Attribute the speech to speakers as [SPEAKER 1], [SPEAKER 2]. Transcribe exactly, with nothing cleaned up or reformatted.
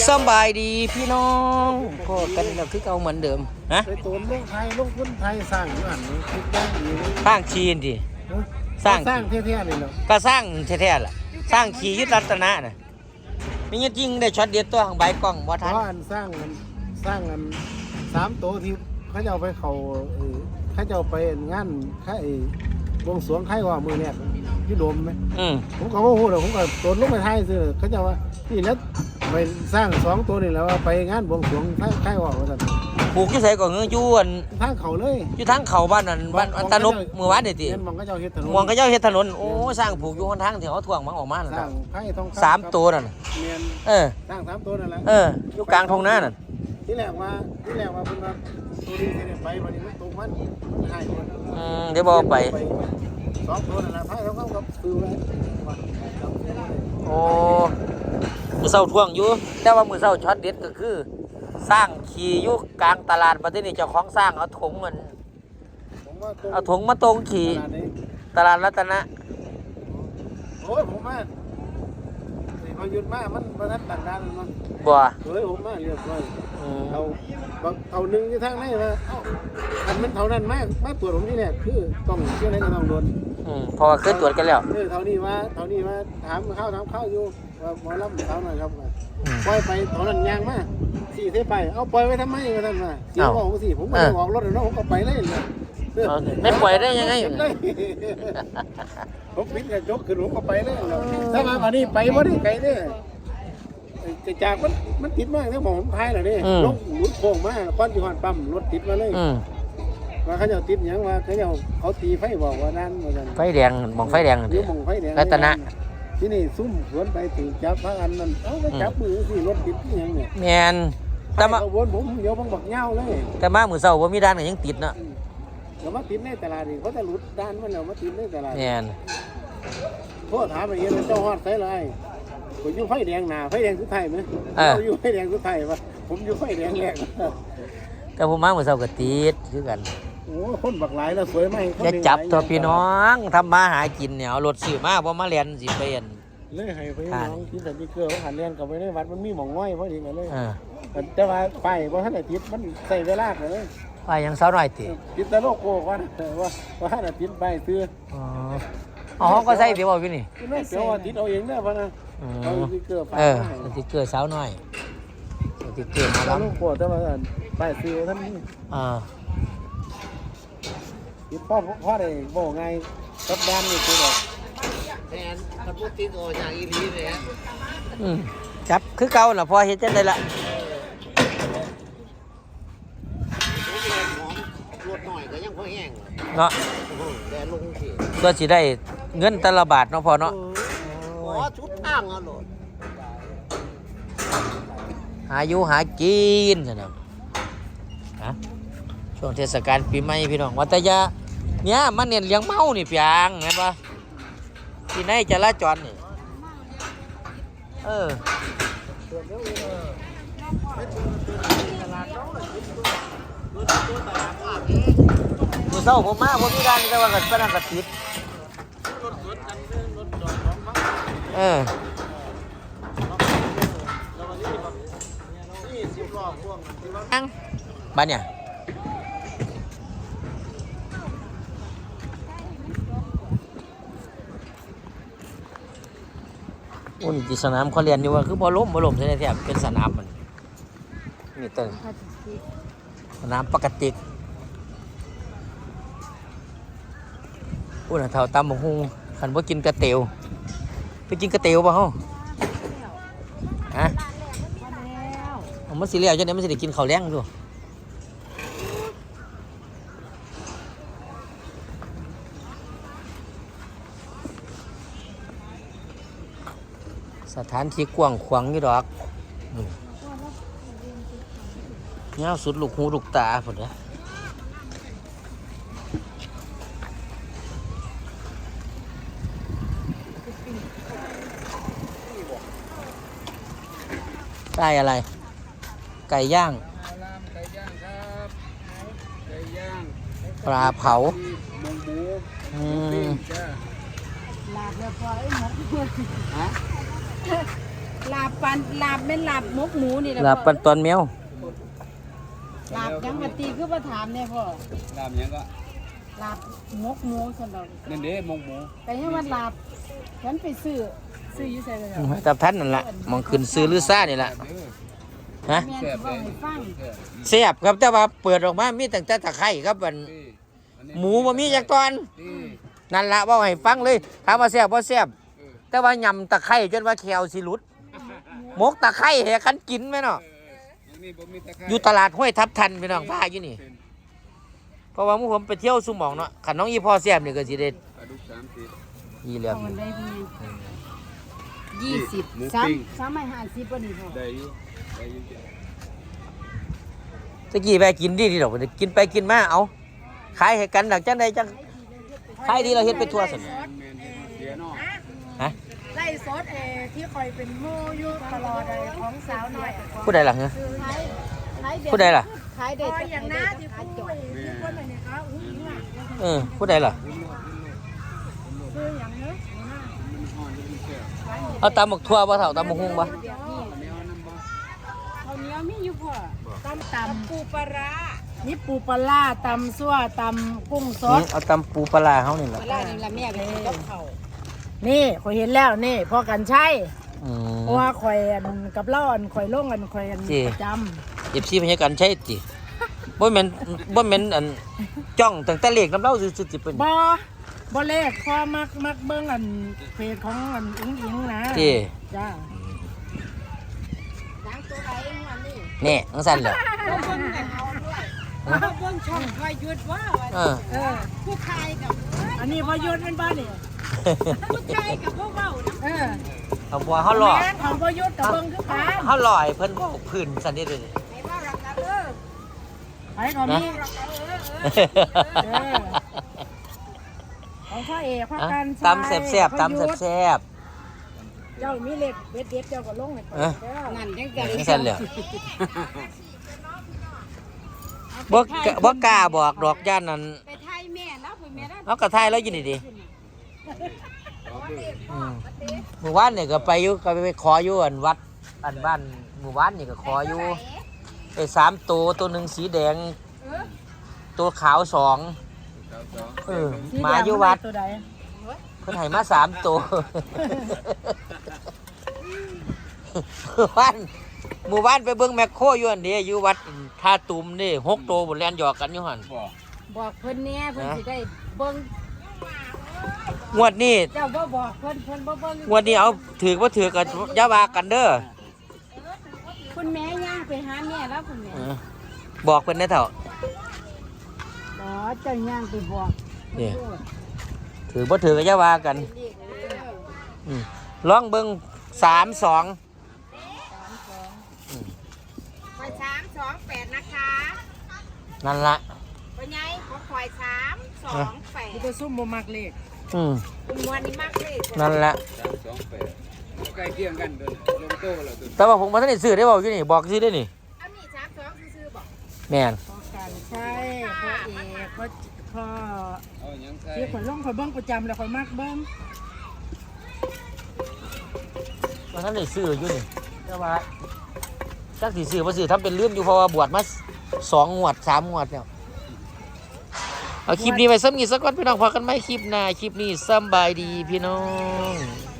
[SPEAKER 1] สบายดีพี่น้องก็กันเราคือเอาเหมือนเดิมนะ
[SPEAKER 2] ไปตูนลูกไทยลูกพุ่นไทยสร้างอยู่หันนี้คิดได้ดี
[SPEAKER 1] สร้างชีนดิ
[SPEAKER 2] สร้างสร้างเท่ๆนี่เนาะ
[SPEAKER 1] ก็สร้างแท้ๆล่ะสร้างขียึดรัตนะน่ะไม่งั้นจริงได้ช็อตเดียวตัวของใบกล้องบ่ทัน
[SPEAKER 2] เพราะอันสร้างอันสร้างอันสามโตที่เขาจะเอาไปเขาเขาจะเอาไปงานค่ายบวงสรวงค่ายว่ามือเนี่ยที่โดมไหม
[SPEAKER 1] อืม
[SPEAKER 2] ผมก็ว่าโหเดี๋ยวผมก็ตูนลูกไปไทยซื้อเขาจะว่านี่แล้วไปสร้างสองตัวนี่แล้วไปงานบวงสรวงค่ายว่าว่าสั่น
[SPEAKER 1] ผูกอยู่ไสก็เงื้อยวน
[SPEAKER 2] ทางเขาเลย
[SPEAKER 1] อยู่ทางเขาบ้านนั่นบ้านอัตนกเมื่อวานนี่ติ
[SPEAKER 2] มองก็เจ้าเฮ็ดถนน
[SPEAKER 1] มองก็เจ้าเฮ็ดถนนโอ้สร้างผูกอยู่หนทางที่เขาถ่วงมันออกมานั่น
[SPEAKER 2] สร้างไผ่ทอง
[SPEAKER 1] สามตัวนั่นเออ
[SPEAKER 2] สร้างสามตัวนั่นแหละ
[SPEAKER 1] เอออยู่กลางทุ่งนานั่น
[SPEAKER 2] ที่แรกว่าที่แรกว่าเพิ่นว่าตัวนี้สิไปวันนี้มันตรงมันมันหายหมด
[SPEAKER 1] อืมเดี๋ยวบ่ไป
[SPEAKER 2] สองตัวนั่นแหละไผ่ทองกับคือไว้
[SPEAKER 1] โอ้มื้อเช้าท่วงอยู่แต่ว่ามื้อเช้าช็อตเด็ดก็คือสร้างขี่อยู่กลางตลาดประเทศนี้เจ้าของสร้างเอาถงมันเอาถงมาตรงขี่ตลาดรัตนะ
[SPEAKER 2] โอ้ยผมมาพอหยุดมามันประทัดต่างด้านมัน
[SPEAKER 1] บ่
[SPEAKER 2] เฮ้ยผมมาเรียบร้อยเอาเอาหนึ่งที่ทางไหนมาเอ้าอันมันเท่านั้นมากมาตรวจผมที่แรกคือต้องเชื่ออะไรก็ต้องโดน
[SPEAKER 1] อืมเพราะว่าเคยตรวจกันแล้ว
[SPEAKER 2] เออเท่านี้ว่าเท่านี้ว่าถามข้าวถามข้าวอยู่ว่าหมอลำเขาหน่อยครับปล่อยไปเท่านั้นยางมาสี่เทไปเอาปล่อยไว้ทำไมกันนั่นมาเสียบอกผมสิผมไม่ได้ออกรถเลยเนาะผมก็ไปเลย
[SPEAKER 1] ไม่ปล่อยได้ยังไง
[SPEAKER 2] ผมปิดกระจกขึ้นผมก็ไปเลยถ้ามาวันนี้ไปวันนี้ไกลเนี่ยจะจากมันมันติดมากเนี่ยผมพายเหรอเนี่ยรถหมุนโค้งมาก้อนจีฮอนปั๊มรถติดมาเลยว่าเขาจะติดยังว่าเขาจะเขาตีไฟบอกว่านั่นเหมือนกัน
[SPEAKER 1] ไฟแดงมองไฟแดง
[SPEAKER 2] เดี๋ยวมองไฟแดง
[SPEAKER 1] รัตนะ
[SPEAKER 2] ที่นี่ซุ่มสวนไปถึงจับพระอันนั้นเอ้าไปจับมือสิรถติดยังเนี่ย
[SPEAKER 1] แมนแต่มา
[SPEAKER 2] วนผมเดี๋ยวผมบอกเงาเลย
[SPEAKER 1] แต่มามือเสาร์ว่ามีด้านไหนยังติดเนาะ
[SPEAKER 2] เรามาติดในตลาดนี่เขาจะหลุดด้านมันเรามาติดในตลาด
[SPEAKER 1] แมน
[SPEAKER 2] โทษถามอะไรเงี้ยเจ้าฮอดใส่ไรผมอยู่ไฟแดงหนาไฟแดงสุดท้ายไหมเราอยู่ไฟแดงสุดท้ายปะผมอยู่ไฟแดงแรก
[SPEAKER 1] แต่ผมมามือเสาร์ก็ติดคือกัน
[SPEAKER 2] โอ้คนบักหลายแล้วสวยไหม
[SPEAKER 1] อย่าจับตัวพี่น้องทำมาหากินเนี่ยรถสื่อมาเพราะมาเรียนสิเปลี่ยน
[SPEAKER 2] เลยให้ไปน้องที่สันติเกอร์เขาหันเรียนกับไปในวัดมันมีหม่องง่อยเพราะดีกันเลยแต่ว่าไฟเพราะท่านอาทิตย์มันใส่เวลาเลย
[SPEAKER 1] ไฟยังเสาหน่อยติ
[SPEAKER 2] ติดตะโลกโก้ว่าว่าว่าท่านอาทิตย์ไปซื้อ
[SPEAKER 1] อ๋ออ๋อก็ใส่เดี๋ยวบอกพี่นี่
[SPEAKER 2] ไม่เดี๋ยวอาทิตย์เอาเองเนี่ยพะนะเอาสติเกอร์
[SPEAKER 1] เออสติเกอร์เสาหน่อยสติเกอร์มาแล้ว
[SPEAKER 2] ตะโลกโก้แต่ว่าไปซื้อท่านนี่
[SPEAKER 1] อ่า
[SPEAKER 2] พ่อพ่อได้บอกไงกับด้านนี่คือแบบ
[SPEAKER 3] แทนถ้าพูดติดโอจากอีลีเลยฮะ
[SPEAKER 1] จับคือเก่าล่ะพอเห็นจังได๋ล่ะ
[SPEAKER 3] รถหน่อยก็ยังพอแห้ง
[SPEAKER 1] เนาะ
[SPEAKER 3] แต่ลงสิ
[SPEAKER 1] ก็สิได้เงินแต่ละบาทเนาะพอเนาะ
[SPEAKER 3] อ๋อชุดทางอ่ะโหลด
[SPEAKER 1] หาอยู่หากินซั่นน่ะฮะช่วงเทศกาลปีใหม่พี่น้องวัตยาเนี่ยมันเน้นเลี้ยงเมานี่เปียงเห็นป่ะที่ไหนจราจรนี่เออมือเศร้าผมมาผมมีการแต่ว่ากันเป็นอันกัดติดเออบ้านเนี่ยอุ่นที่สนามเขาเรียนอยู่ว่าคือบอลล้มบอลล้มใช่ไหมแทบเป็นสนามมันนี่ตึงสนามปกติอุ่นเท่าตำบักหุ่งขันว่ากินกระเตียวไปกินกระเตียวป่ะฮะฮะมันสิเลี้ยวจังเนี่ยมันสิได้กินข้าวแล้งด้วยสถานที่กว้างขวางอยู่ดอกเงาสุดลูกหูลูกตาผุดนะไก่อะไรไก่ย่างปลาเผาอืม
[SPEAKER 2] ลาบแล้วพอไอ้หมกฮะ
[SPEAKER 4] ลาบปันลาบเป็นลาบหมกหมูนี่แหละ
[SPEAKER 1] ลาบปันตอนแมว
[SPEAKER 4] ลาบยังมาตีคือมาถามเนี่ยพ่อ
[SPEAKER 2] ดามยังก็
[SPEAKER 4] ลาบหมกหมูสนดอก
[SPEAKER 2] นั่นเด้มงหมู
[SPEAKER 4] แต่ยังว่าลาบฉันไปซื้อซื้ออยู่ใส่เลยเหรอ
[SPEAKER 1] แต่ท่านนั่นล่ะมองขึ้นซื้อหรือซ่านี่ล่ะฮะ
[SPEAKER 4] แม่นสิบอกให้ฟัง
[SPEAKER 1] แซ่บครับแต่ว่าเปิดออกมามีตั้งแต่ตะไคร้ครับมันหมูบ่มีจักตอนนั่นล่ะเว้าให้ฟังเลยถามว่าแซ่บบ่แซ่บแต่ว่ายำตะไคร้จนว่าแขวสิหลุดหมกตะไคร้แหคันกินแม่เนาะอยู่ตลาดห้วยทับทันพี่น้องพาอยู่นี่เพราะว่าหมู่ผมไปเที่ยวซุหม่องเนาะคันน้องอีพ่อแซ่บนี่ก็สิได้อีเหลี่ยม
[SPEAKER 4] เอามันได้พี่ยี่สิบสามสามไม่ห้าสิบวันนี้พ่อ
[SPEAKER 2] ได้อยู่ได้อยู่
[SPEAKER 1] ตะกี้ไปกินดีดีดอกกินไปกินมาเอาขายให้กันดักจังใดจังขายดีเราเฮ็ดไปทั่วซั่น
[SPEAKER 2] แม่นเสียเนาะ
[SPEAKER 1] ฮะ
[SPEAKER 4] ไล่ซดเอที่คอยเป็นโม่อยู่ตลอดเลยของสาวหน่อย
[SPEAKER 1] ผู้ใดล่ะฮะ
[SPEAKER 4] ขายขายเด็ด
[SPEAKER 1] ผู้ใดล่ะ
[SPEAKER 4] ขายเด็ดอย่างน้าที่ผู้ที่คนไหนเนี่ยคะอุ้งอิงอ่ะ
[SPEAKER 1] เออผู้ใดล่ะ
[SPEAKER 4] คืออย่างเนี้ย
[SPEAKER 1] เอาตำหมกทั่วบ่เท่าตำหมกฮุ้งบ่
[SPEAKER 4] เดี๋ยวนี่เขาวเหนี้ยวมีอยู่พ่อตำตำปูปลาร้านี่ปูปลาร้าตำซั่วตำกุ้งส
[SPEAKER 1] อื
[SPEAKER 4] ด
[SPEAKER 1] มเอาตำปูปลาร้าเฮานี่ล่ะ
[SPEAKER 4] ปลาร้านี่ละแม่ไปกินกับเขานี่ข่อยเห็นแล้วนี่พอกันใช่
[SPEAKER 1] อืม
[SPEAKER 4] เพราะว่าข่อยอันกับเล่าอันข่อยลงอันข่อยอัน
[SPEAKER 1] จริง
[SPEAKER 4] ประจ
[SPEAKER 1] เอฟซีพญากันใช่ติบ่แม่นบ่แม่นอันจ้องตั้งแต่เลขน้ำเล่าซื่อๆสิเป็น
[SPEAKER 4] ำบ่บ่เลขพอมักมักเบิ่งอันเพจของอันอุ้งอิงนะ
[SPEAKER 1] ติ
[SPEAKER 4] จ้าดังตัวไหนวันนี้
[SPEAKER 1] แน่จังซั่นแหละ
[SPEAKER 4] เบิ่งกันเอาด้วยเบิ่งช่องคอยหยุดว่า
[SPEAKER 1] เออ
[SPEAKER 4] เออผู้ชายกับอันนี้พอหยุดเป็นบ้านนี่ผู้ชายกับพวกเว้าเออ
[SPEAKER 1] เอาบัวเฮาหล่อ
[SPEAKER 4] แม่นของพอหยุดกับเบิ่งคือกัน
[SPEAKER 1] เฮาหล่อให้เพิ่นเว้าพื้นซั่นนี่เด้อ
[SPEAKER 4] ไอ้ว่ารักกันเออไอ้ก็มีรักกันเออเออของพ่อเอกพ่อ
[SPEAKER 1] อ่ะ
[SPEAKER 4] กัน
[SPEAKER 1] ตำแซ่บๆตำแซ่บ
[SPEAKER 4] เจ้ามีเล็กเด็ดเด็ดเจ้าก็ลงให้ก่อน
[SPEAKER 1] เอ้อ
[SPEAKER 4] เด้อนั่นจัง
[SPEAKER 1] ๆ
[SPEAKER 4] ได๋
[SPEAKER 1] จังซั่นแหละบ่กะบ่กล้าบอกดอกย่านนั้น
[SPEAKER 4] ไปไทยแม่แล้วพุ่นแม่แล้ว
[SPEAKER 1] เอากระทายแล้วอยู่นี่ดิอืมหมู่บ้านนี่ก็ไปอยู่ก็ไปขออยู่อันวัดอันบ้านหมู่บ้านนี่ก็ขออยู่ไอ้สามตัวตัวหนึ่งสีแดง ตัวขาวสองเออหมาอยู่วัด
[SPEAKER 4] ตัวใด
[SPEAKER 1] เพิ่นให้มาสามตัวหมู่บ้านหมู่บ้านไปเบิ่งแมคโครอยู่อันเดียอยู่วัดท่าตุ่มนี่หกตัวบนแลนหยอกกันอยู่หั่น
[SPEAKER 4] บอกเพิ่นแน่เพิ่นสิได้เบิ่ง
[SPEAKER 1] งวดนี้
[SPEAKER 4] เจ้าบ่บอกเพิ่นเพิ่นบ่เบิ่ง
[SPEAKER 1] งวดนี้เอาถือว่าถือกันอย่าว่ากันเด้อ
[SPEAKER 4] คุณแม่ย่างไปหาแม่แล้วคุณแม่
[SPEAKER 1] เออบอกเพิ่นได้เถ่า
[SPEAKER 4] อ๋อเจ้าย่างไปบอก
[SPEAKER 1] นี่ถือว่าถือกันอย่าว่ากันอืมลองเบิ่งสามสอง
[SPEAKER 4] ข่อยสาม สองแปดนะคะ
[SPEAKER 1] นั่นละ
[SPEAKER 4] เป็นไงของข่อยสาม สองแปดจะซุ่มบ่มักเลข
[SPEAKER 1] อืม
[SPEAKER 4] คุณมวนนี่มักเลข
[SPEAKER 1] นั่นละ
[SPEAKER 2] สามสองแปดใกล้เคียงกันเด้อลงโต้แล้วตัว
[SPEAKER 1] แต่ว่าผมมาท่านได้ซื้อได้บอกอยู่นี่บอกซื้อได้นี่
[SPEAKER 4] อันนี้สามสองซื้อๆบอก
[SPEAKER 1] แม่น
[SPEAKER 4] พอกันใช่พ่อเอกพ่อพ่อ
[SPEAKER 2] เอาหยังใส่
[SPEAKER 4] ที่ข่อยลงข่อยเบิ่งประจำแล้วข่อยมักเบิ่ง
[SPEAKER 1] มาท่านได้ซื้ออยู่นี่แต่ว่าจักสิซื้อบ่ซื้อทำเป็นลืมอยู่เพราะว่าบวชมาสองงวดสามงวดแล้วเอาคลิปนี้ไว้ซ้ำอีกสักก่อนพี่น้องพอกันไหมคลิปหน้าคลิปนี้สำบายดีพี่น้อง